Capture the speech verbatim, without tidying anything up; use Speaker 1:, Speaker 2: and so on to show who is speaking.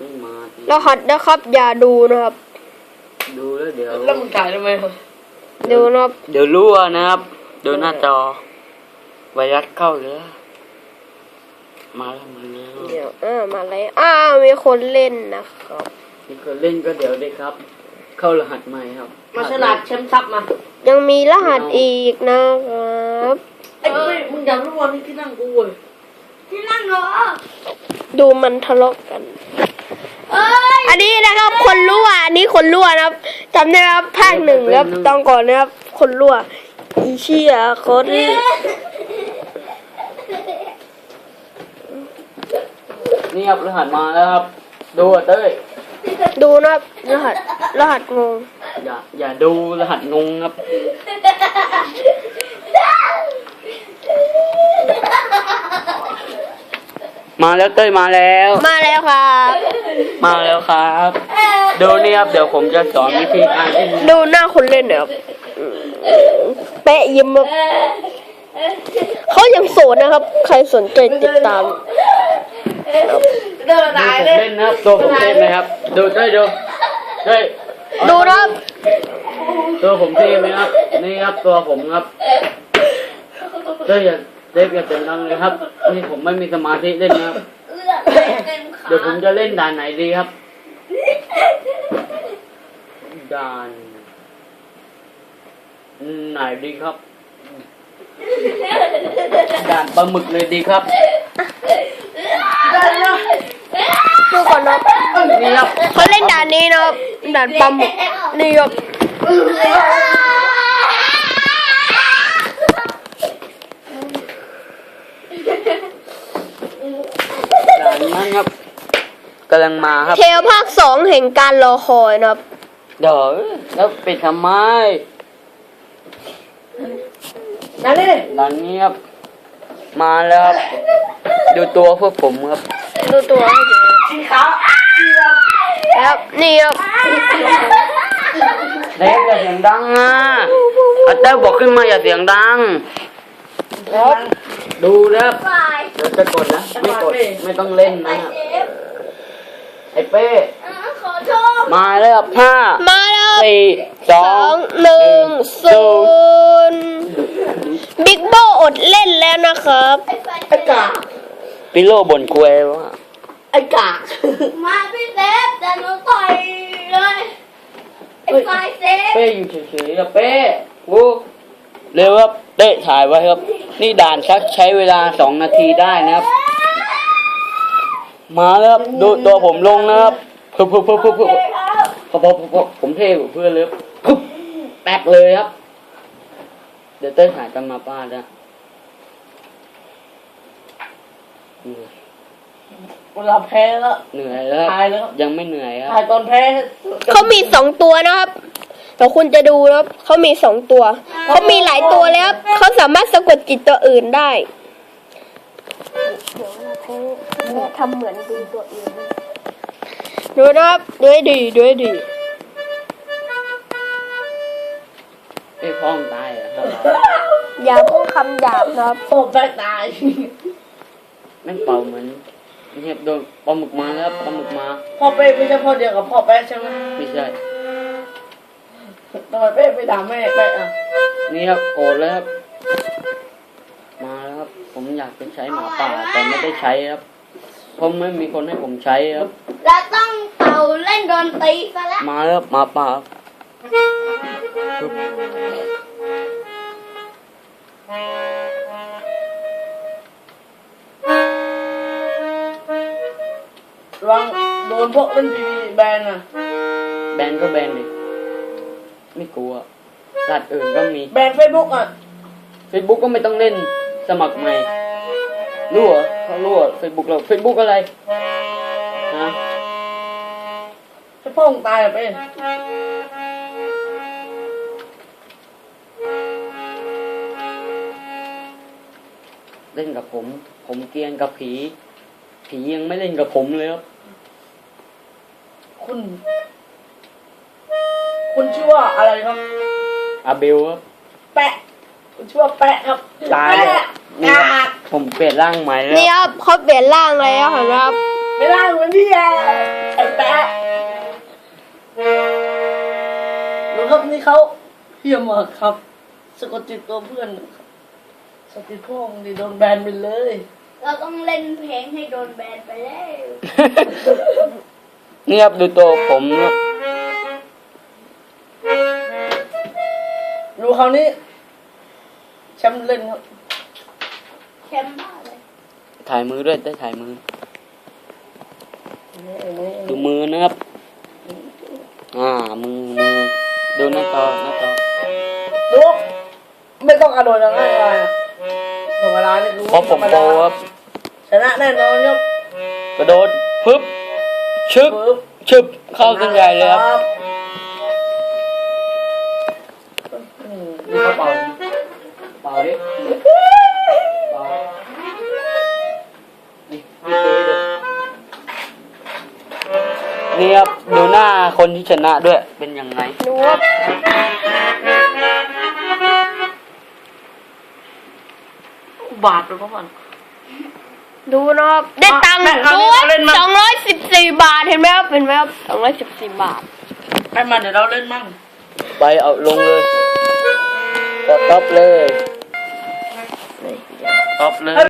Speaker 1: ไม่มาร
Speaker 2: หัสนะครับอย่าดูนะครับ
Speaker 1: ดูแล้วเดี๋ยว
Speaker 3: แล้วมึงถ่ายทำไม
Speaker 2: ดูนะครับ
Speaker 1: เดี๋ยวรั่วนะครับดูหน้าจอไวรัสเข้าเลยมาแล้วมาแล้ว
Speaker 2: เดี๋ยวอ่ามาแล้วอ้ามีคนเล่นนะครับ
Speaker 1: มีคนเล่นก็เดี๋ยวได้ครับ เข้ารหัสใหม่ครับ
Speaker 3: มาฉลาดแชมป์ซับมา
Speaker 2: ยังมีรหัสอีกนะครับ
Speaker 3: ไอ้เว้ยมึงอยากรู้ว่านี่ที่นั่งกูเว้ยที่นั่งเหรอ
Speaker 2: ดูมันทะเลาะกันอันนี้นะครับ คนรั่วอันนี้คนรั่วนะครับจำได้ครับภาคหนึ่งครับตอนก่อนนะครับคนรั่วอีเชี่ยคน
Speaker 1: นี่ครับรหัสมาแล้วครับดูอ่ะเต้ย
Speaker 2: ดูนะครับรหัสรหัสงง
Speaker 1: อย่าอย่าดูรหัสงงครับมาแล้วเต้ยมาแล้ว
Speaker 2: มาแล้วครับ
Speaker 1: มาแล้วครับดูนี่ครับเดี๋ยวผมจะสอนวิธีการเล่น
Speaker 2: ดูหน้าคนเล่นนะครับเป๊ะยิ้มครับเขายังโสดนะครับใครสนใจติดตาม
Speaker 3: เดินตายเลย
Speaker 1: เล่นนะครับตัวผมเท่ไหมครับดูเต้ยดูเต้ย
Speaker 2: ดูนะครับ
Speaker 1: ตัวผมเท่ไหมครับนี่ครับตัวผมครับเต้ยอย่าเด็กอย่าเสียงดังเลยครับนี่ผมไม่มีสมาธิเล่นนะครับเดี๋ยวผมจะเล่นด่านไหนดีครับด่านไหนดีครับด่านปลาหมึกเลยดีครับ
Speaker 2: ดูก่อนนะ
Speaker 1: นี่ครับ
Speaker 2: เขาเล่นด่านนี้นะครับด่านปลาหมึกนี่ครับ
Speaker 1: ด่านนั้นครับกำลังมาครับ
Speaker 2: เทลภาคสองแห่งการรอคอยนะครับ
Speaker 1: เดี๋ยวแล้วปิดทำไม
Speaker 3: นั่นนี่
Speaker 1: ด่านนี้ครับมาแล้วครับดูตัวพวกผมครับ
Speaker 2: ดูตัวให้ดี
Speaker 3: สีขาว
Speaker 2: ครับนี่ครับ
Speaker 1: เด็กอย่าเสียงดังนะอาเต้บอกขึ้นมาอย่าเสียงดังครับดูนะครับเดี๋ยวจะกดนะไม่กดไม่ต้องเล่นนะไอ้เป้มาแล้วครับห้า
Speaker 2: มาแล้ว
Speaker 1: สี่สอง
Speaker 2: หนึ่งศูนย์บิ๊กโบอดเล่นแล้วนะครับ
Speaker 3: ไอ้กา
Speaker 1: ปิโลบ่นคุยว่า
Speaker 3: ไอ้กา
Speaker 4: มาพี่เซฟจะหนูต่อยเลยไอ้ไฟเซฟ
Speaker 1: เป้อยู่เฉยๆนะเป้โอ้เร็วครับเตะถ่ายไว้ครับนี่ด่านชักใช้เวลาสองนาทีได้นะครับมาแล้วครับดูตัวผมลงนะครับเพิ่มเพิ่มเพิ่มเพิ่มเพิ่มพอพอพอผมเท่กว่าเพื่อนเลยปุ๊บแตกเลยครับเดี๋ยวเต้ยถ่ายกันมาป้าจ้ะ
Speaker 3: เวลาแพ้แล้ว
Speaker 1: เหนื่อยแล้วยังไม่เหนื่อยครับ
Speaker 3: ถ่ายตอนแพ้
Speaker 2: เขามีสองตัวนะครับแต่คุณจะดูนะครับเขามีสองตัวเขามีหลายตัวแล้วเขาสามารถสะกดจิตตัวอื่นได้เดี๋ยวเขาทำเหมือนดูตัวอื่นดูนะครับดูให้ดีดูให้ดี
Speaker 1: ไอ้พ่อมตายอ่ะ
Speaker 2: อย่าพูดคำหยาบนะครับ
Speaker 3: พ่อแป๊กตาย
Speaker 1: แม่งเป่าเหมือนเห็บโดนปลาหมึกมาแล้วปลาหมึกมา
Speaker 3: พ่อเป้ไม่ใช่พ่อเดียวกับพ่อแป๊กใช่ไหม
Speaker 1: ไม่ใช่
Speaker 3: ทำไมเป้ไปด่าแม่แป๊กอ่ะ
Speaker 1: นี่ครับโกรธแล้วครับมาแล้วครับผมอยากจะใช้หมาป่าแต่ไม่ได้ใช้ครับเพราะไม่มีคนให้ผมใช้ครับ
Speaker 4: เราต้องเป่าเล่นดนตรีซะแล้ว
Speaker 1: มาแล้วหมาป่า
Speaker 3: ระวังโดนพวกเล่นทีวีแบนอ่ะ
Speaker 1: แบนก็แบนเลยไม่กลัวสัตว์อื่นก็มี
Speaker 3: แบนเฟซบุ๊กอ่ะ
Speaker 1: เฟซบุ๊กก็ไม่ต้องเล่นสมัครใหม่รั่วเขารั่วเฟซบุ๊กเราเฟซบุ๊กอะไรฮะ
Speaker 3: ให้พ่อมึงตายไป
Speaker 1: เล่นกับผมผมเกรียนกับผีผียังไม่เล่นกับผมเลยครับ
Speaker 3: คุณคุณชื่อว่าอะไรครับ
Speaker 1: อาเบลครับ
Speaker 3: แปะคุณชื่อว่าแปะครับ
Speaker 1: ตายนี่ผมเปลี่ยนร่างใหม่แล้ว
Speaker 2: นี่ครับเขาเปลี่ยนร่างแล้วเห็นไหมครับ
Speaker 3: ไม่ได้เหมือนที่แย่ไอ้แปะดูครับนี่เขาเฮี้ยมากครับสะกดจิตตัวเพื่อนครับสติพ่องดิโดนแบนไปเลย
Speaker 4: เราต้องเล่นเพลงให้โดนแบนไปแล้ว
Speaker 1: นี่ครับดูตัวผมครับ
Speaker 3: ดูคราวนี้แชมป์เล่นครับ
Speaker 4: แชมป์บ้าเลย
Speaker 1: ถ่ายมือด้วยได้ถ่ายมือ
Speaker 3: นี่นี่
Speaker 1: ดูมือนะครับ อ่า มือมือดูหน้าจอหน้าจอ
Speaker 3: ดูไม่ต้องกระโดดอย่างง่ายเลยธรรมดานี่คือ
Speaker 1: เพราะผมโตครับ
Speaker 3: ชนะแน่นอนครับ
Speaker 1: กระโดดปึ๊บชึบ
Speaker 3: ปึ๊บ
Speaker 1: ชึบเข้าเส้นใหญ่เลยครับ
Speaker 3: อืม
Speaker 1: นี่เขาเป่าเป่าดิเป่านี่นี่ตีดินี่ครับดูหน้าคนที่ชนะด้วยเป็นยังไง
Speaker 2: ดูครับ
Speaker 3: บาทเลยพ่อมัน
Speaker 2: ดูนะครับได้ตังค์
Speaker 3: แม่เอา
Speaker 2: ดู
Speaker 3: เล่นมา
Speaker 2: สองร้อยสิบสี่บาทเห็นไหมครับเห็นไหมครับสองร้อยสิบสี่บาท
Speaker 3: ให้มันเดี๋ยวเราเล่นมั่ง
Speaker 1: ไปเอาลงเลยกดท็อปเลยท็อปเลย